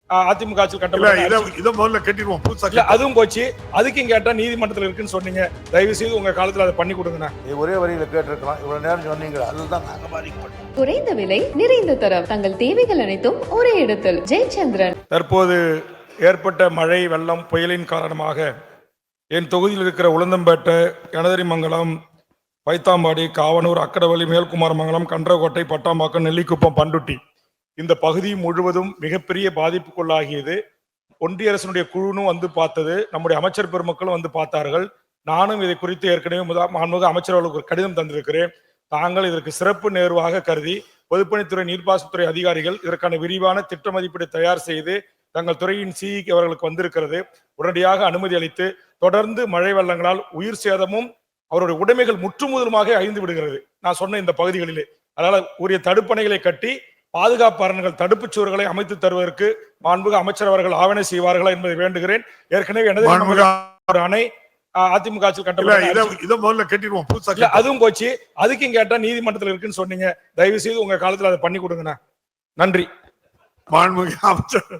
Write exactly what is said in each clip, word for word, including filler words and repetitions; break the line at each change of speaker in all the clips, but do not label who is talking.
அதிமுக ஆட்சியில் கட்டப்பட்ட அதுவும் போச்சு. அதுக்கும் கேட்டா நீதிமன்றத்தில் இருக்குன்னு சொன்னீங்க. தயவு செய்து உங்க காலத்துல அதை பண்ணி கொடுங்க.
ஒரே வரியில கேட்டிருக்கலாம். இவ்வளவு நேரம் சொன்னீங்க, அதுதான் நாங்க பாதிக்கப்பட்டோம்.
குறைந்த விலை நிறைந்த தரம், தங்கள் தேவைகள் அனைத்தும் ஒரே இடத்தில். ஜெயச்சந்திரன்.
தற்போது ஏற்பட்ட மழை வெள்ளம் புயலின் காரணமாக என் தொகுதியில் இருக்கிற உளுந்தம்பேட்டை, கனதரிமங்கலம், பைத்தாம்பாடி, காவனூர், அக்கடவள்ளி, மேல்குமாரமங்கலம், கன்றகோட்டை, பட்டாம்பாக்கம், நெல்லிக்குப்பம், பண்டுட்டி இந்த பகுதி முழுவதும் மிகப்பெரிய பாதிப்புக்குள்ளாகியது. ஒன்றிய அரசினுடைய குழுவும் வந்து பார்த்தது, நம்முடைய அமைச்சர் பெருமக்களும் வந்து பார்த்தார்கள். நானும் இதை குறித்து ஏற்கனவே மாண்புமிகு அமைச்சர்களுக்கு ஒரு கடிதம் தந்திருக்கிறேன். தாங்கள் இதற்கு சிறப்பு நேர்வாக கருதி பொதுப்பணித்துறை, நீர்ப்பாசனத்துறை அதிகாரிகள் இதற்கான விரிவான திட்ட மதிப்பீடு தயார் செய்து தங்கள் துறையின் சிஇக்கு அவர்களுக்கு வந்திருக்கிறது. உடனடியாக அனுமதி அளித்து தொடர்ந்து மழை வெள்ளங்களால் உயிர் சேதமும் அவருடைய உடைமைகள் முற்றுமுதலுமாக அழிந்து விடுகிறது. நான் சொன்ன இந்த பகுதிகளிலே அதனால உரிய தடுப்பணைகளை கட்டி பாதுகாப்பு அரண்கள், தடுப்பு சுவர்களை அமைத்து தருவதற்கு மாண்புமிகு அமைச்சர் அவர்கள் ஆவணை செய்வார்களா என்பதை வேண்டுகிறேன். ஏற்கனவே எனது அணை அதிமுக ஆட்சியில் கட்டப்பட்ட அதுவும் போச்சு. அதுக்கும் கேட்டா நீதிமன்றத்தில் இருக்குன்னு சொன்னீங்க. தயவு செய்து உங்க காலத்துல அதை பண்ணி கொடுங்க. நன்றி.
மாண்புமிகு அமைச்சர்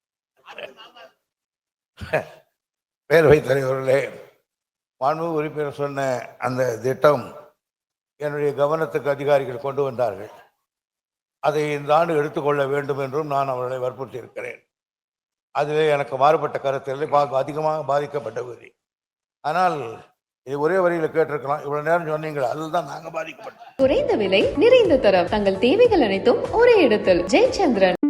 பேரவைத் தலைவர்களே, மாண்புமிகு உறுப்பினர் சொன்ன அந்த திட்டம் என்னுடைய கவனத்துக்கு அதிகாரிகள் கொண்டு வந்தார்கள். அதை இந்த ஆண்டு எடுத்துக்கொள்ள வேண்டும் என்றும் நான் அவர்களை வற்புறுத்தி இருக்கிறேன். அதிலே எனக்கு மாறுபட்ட கருத்தில் அதிகமாக பாதிக்கப்பட்ட பகுதி. ஆனால் இது ஒரே வரியில கேட்டிருக்கலாம். இவ்வளவு நேரம் சொன்னீங்க, அதுதான் நாங்க பாதிக்கப்பட்டோம்.
குறைந்த விலை நிறைந்த தரம், தங்கள் தேவைகள் அனைத்தும் ஒரே இடத்தில். ஜெயச்சந்திரன்.